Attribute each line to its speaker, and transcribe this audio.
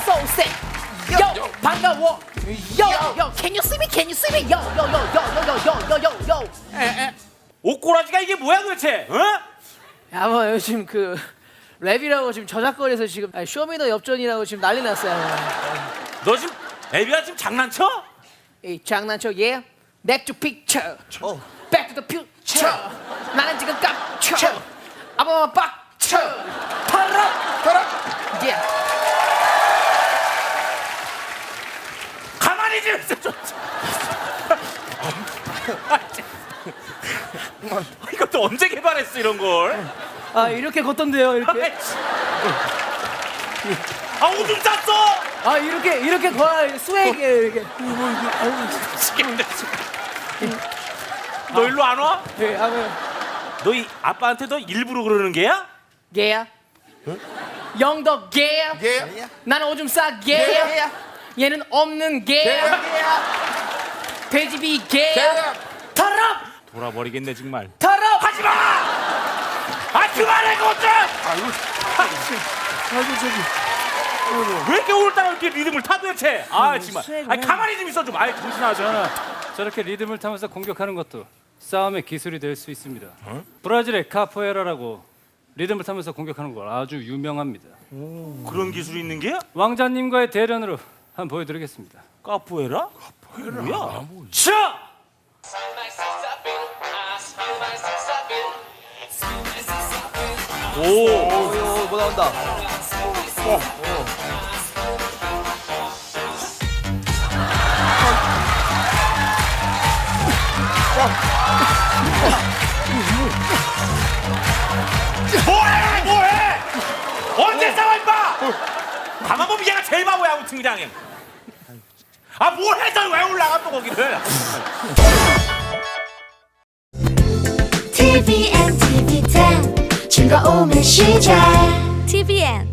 Speaker 1: so sick. Yo, 반가워. Yo, can you see me? Can you see me? Yo.
Speaker 2: 옷꼬라지가 이게 뭐야 도대체? 어?
Speaker 1: 야, 뭐 요즘 그 랩이라고 지금 저작거리에서 지금 쇼미더 엽전이라고 지금 난리 났어요.
Speaker 2: 너 지금 애비야 지금 장난쳐?
Speaker 1: 이 장난쳐, yeah. Back to picture. Back to the future. 나는 지금 깜쳐. 아빠 빡쳐. 팔아. Yeah.
Speaker 2: 가만히 좀 있어 좀. 이것도 언제 개발했어 이런 걸?
Speaker 1: 아, 이렇게 걷던데요, 이렇게.
Speaker 2: 아 오줌 쌌어.
Speaker 1: 아, 이렇게 걸어 스웨이게 이렇게.
Speaker 2: 미치겠네 지금. 너 일로 안 와?
Speaker 1: 네,
Speaker 2: 너 이 아빠한테 너 일부러 그러는 게야?
Speaker 1: 개야. 영덕 개야. 나는 오줌 싸 개야. 얘는 없는 개야. 돼지비 개야. 터럽.
Speaker 2: 돌아버리겠네 정말.
Speaker 1: 터럽.
Speaker 2: 하지 마. 아 그만해 그것 좀.
Speaker 3: 아이고 저기.
Speaker 2: 왜 이렇게 오늘따라 이렇게 리듬을 타 도대체? 아 정말. 아 가만히 좀 있어 좀. 아 정신하자.
Speaker 4: 저렇게 리듬을 타면서 공격하는 것도 싸움의 기술이 될 수 있습니다. 브라질의 카포에라라고 리듬을 타면서 공격하는 걸 아주 유명합니다.
Speaker 2: 그런 기술이 있는 게?
Speaker 4: 왕자님과의 대련으로 한번 보여드리겠습니다.
Speaker 2: 카포에라? 뭐야? 자! 오!
Speaker 3: 뭐 나온다.
Speaker 2: 뭐해? 언제 싸워 임마? 가만 보면 얘가 제일 바보야 아무튼 그냥. 아 뭘 해서 왜 올라가 또 거기를?
Speaker 5: TVN, TV10 즐거움의 시작 TVN